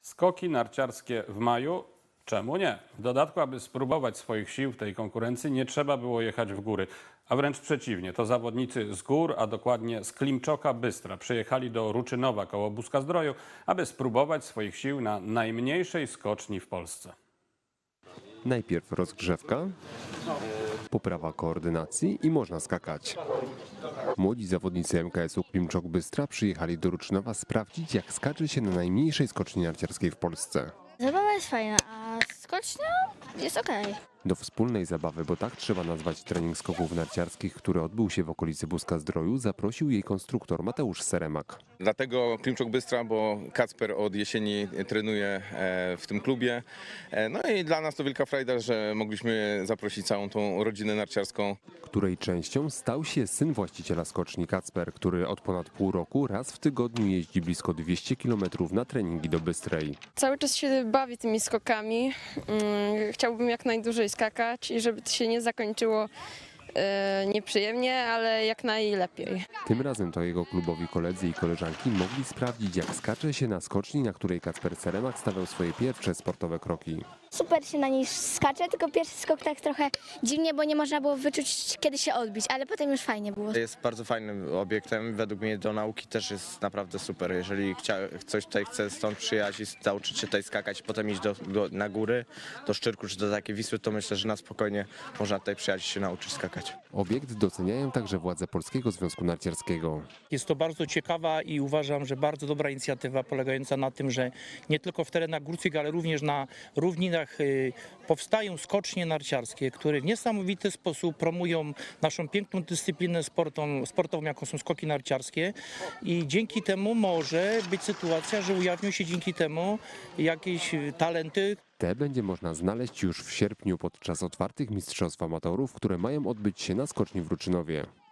Skoki narciarskie w maju? Czemu nie? W dodatku, aby spróbować swoich sił w tej konkurencji, nie trzeba było jechać w góry. A wręcz przeciwnie, to zawodnicy z gór, a dokładnie z Klimczoka Bystra, przyjechali do Ruczynowa koło Busca-Zdroju, aby spróbować swoich sił na najmniejszej skoczni w Polsce. Najpierw rozgrzewka, poprawa koordynacji i można skakać. Młodzi zawodnicy MKS-u Klimczok Bystra przyjechali do Ruczynowa sprawdzić, jak skacze się na najmniejszej skoczni narciarskiej w Polsce. Zabawa jest fajna, a skocznia jest okej. Do wspólnej zabawy, bo tak trzeba nazwać trening skoków narciarskich, który odbył się w okolicy Busca-Zdroju, zaprosił jej konstruktor Mateusz Seremak. Dlatego Klimczok Bystra, bo Kacper od jesieni trenuje w tym klubie. No i dla nas to wielka frajda, że mogliśmy zaprosić całą tą rodzinę narciarską. Której częścią stał się syn właściciela skoczni Kacper, który od ponad pół roku raz w tygodniu jeździ blisko 200 km na treningi do Bystrej. Cały czas się bawię tymi skokami. Chciałbym jak najdłużej skakać i żeby to się nie zakończyło nieprzyjemnie, ale jak najlepiej. Tym razem to jego klubowi koledzy i koleżanki mogli sprawdzić, jak skacze się na skoczni, na której Kacper Seremak stawiał swoje pierwsze sportowe kroki. Super się na niej skacze, tylko pierwszy skok tak trochę dziwnie, bo nie można było wyczuć, kiedy się odbić, ale potem już fajnie było. Jest bardzo fajnym obiektem, według mnie do nauki też jest naprawdę super. Jeżeli ktoś tutaj chce stąd przyjechać i nauczyć się tutaj skakać, potem iść na góry, do Szczyrku czy do takiej Wisły, to myślę, że na spokojnie można tutaj przyjechać i się nauczyć skakać. Obiekt doceniają także władze Polskiego Związku Narciarskiego. Jest to bardzo ciekawa i uważam, że bardzo dobra inicjatywa polegająca na tym, że nie tylko w terenach górskich, ale również na równinach powstają skocznie narciarskie, które w niesamowity sposób promują naszą piękną dyscyplinę sportową, jaką są skoki narciarskie i dzięki temu może być sytuacja, że ujawnią się dzięki temu jakieś talenty. Te będzie można znaleźć już w sierpniu podczas otwartych mistrzostw amatorów, które mają odbyć się na skoczni w Ruczynowie.